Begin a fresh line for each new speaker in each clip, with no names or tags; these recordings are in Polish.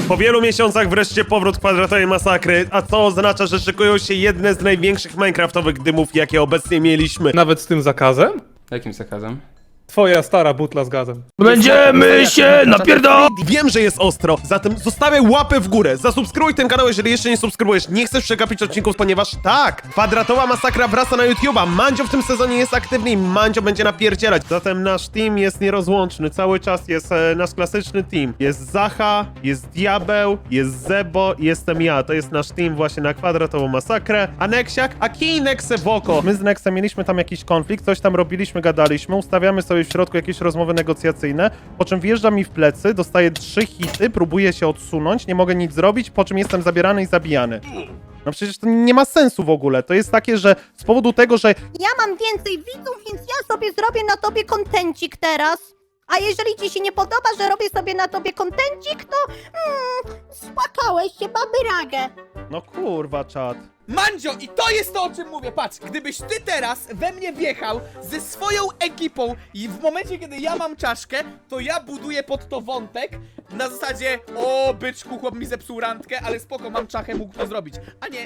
Po wielu miesiącach wreszcie powrót kwadratowej masakry, a co oznacza, że szykują się jedne z największych minecraftowych dymów, jakie obecnie mieliśmy.
Nawet z tym zakazem?
Jakim zakazem?
Twoja stara butla z gazem.
Będziemy się napierdol... Wiem, że jest ostro, zatem zostawiaj łapę w górę, zasubskrybuj ten kanał, jeżeli jeszcze nie subskrybujesz, nie chcesz przegapić odcinków, ponieważ tak, kwadratowa masakra wraca na YouTube'a, Mandzio w tym sezonie jest aktywny i Mandzio będzie napierdzielać, zatem nasz team jest nierozłączny, cały czas jest nasz klasyczny team, jest Zacha, jest Diabeł, jest Zebo i jestem ja, to jest nasz team właśnie na kwadratową masakrę, a Neksiak, a kij Nexe w oko. My z Nexem mieliśmy tam jakiś konflikt, coś tam robiliśmy, gadaliśmy, ustawiamy sobie w środku jakieś rozmowy negocjacyjne, po czym wjeżdża mi w plecy, dostaję 3 hity, próbuję się odsunąć, nie mogę nic zrobić, po czym jestem zabierany i zabijany. No przecież to nie ma sensu w ogóle. To jest takie, że z powodu tego, że
Ja mam więcej widzów, więc ja sobie zrobię na tobie kontencik teraz. A jeżeli ci się nie podoba, że robię sobie na tobie kontencik, to spłakałeś się, baby ragę.
no kurwa czat.
Mandzio, i to jest to, o czym mówię. Patrz, gdybyś ty teraz we mnie wjechał ze swoją ekipą i w momencie, kiedy ja mam czaszkę, to ja buduję pod to wątek na zasadzie: o, byczku, chłop mi zepsuł randkę, ale spoko, mam czachę, mógł to zrobić. A nie: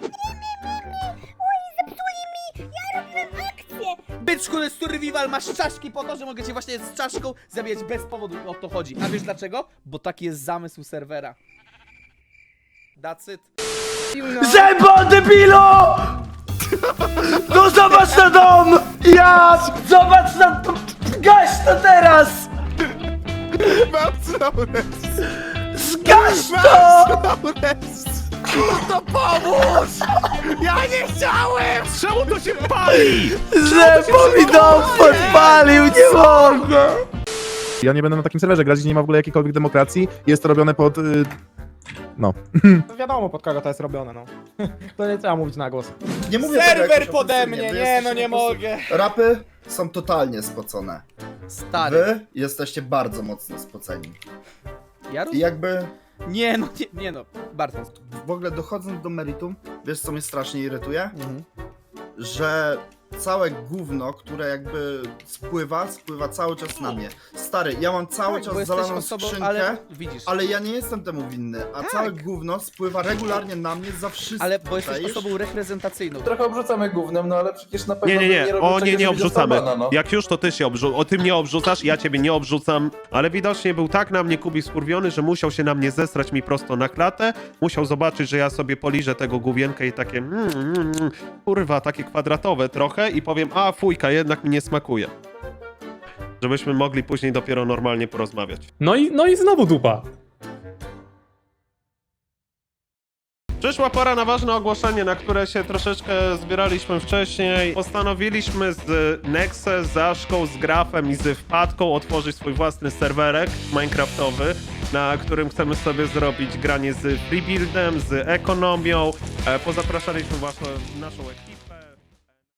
Ja robiłem akcję.
byczku, to jest survival, masz czaszki po to, że mogę cię właśnie z czaszką zabijać bez powodu. O to chodzi. A wiesz dlaczego? Bo taki jest zamysł serwera. That's it.
Zębo, debilu! No zobacz na dom! Ja! Zobacz na to! Gaś to teraz! Zgaś to!
Czemu to się pali?
Zębo mi dom podpalił, nie mogę!
Ja nie będę na takim serwerze grać, gdzie nie ma w ogóle jakiejkolwiek demokracji. Jest to robione pod... No.
Wiadomo pod kogo to jest robione, no. To nie trzeba mówić na głos.
Nie mówię tego
Serwer
jakoś
pode
ofensywnie,
mnie,
wy
nie
jesteście
no, nie
po prostu-
mogę.
Rapy są totalnie spocone.
Stary,
Wy jesteście bardzo mocno spoceni.
ja
I jakby
Nie no, nie no, bardzo.
w ogóle dochodząc do meritum, wiesz co mnie strasznie irytuje? Że całe gówno, które jakby spływa cały czas na mnie. Stary, ja mam cały
Bo
czas
jesteś
zalaną
osobą,
skrzynkę,
ale widzisz,
ale ja nie jestem temu winny, a całe gówno spływa regularnie na mnie za wszystko.
ale bo jesteś
czaisz?
osobą reprezentacyjną.
Trochę obrzucamy gównem, no ale przecież na pewno
Nie,
robią
o
czegoś,
nie
żeby
obrzucamy.
dostał bana, no.
Jak już to ty się ty mnie obrzucasz, ja ciebie nie obrzucam. Ale widocznie był tak na mnie Kubi skurwiony, że musiał się na mnie zesrać mi prosto na klatę. Musiał zobaczyć, że ja sobie poliżę tego główienkę i takie kurwa, takie kwadratowe trochę i powiem: a fujka, jednak mi nie smakuje. Żebyśmy mogli później dopiero normalnie porozmawiać.
No i znowu dupa.
Przyszła pora na ważne ogłoszenie, na które się troszeczkę zbieraliśmy wcześniej. Postanowiliśmy z Nexe, z Zaszką, z Grafem i z Wpadką otworzyć swój własny serwerek minecraftowy, na którym chcemy sobie zrobić granie z freebuildem, z ekonomią. Pozapraszaliśmy właśnie naszą ekipę.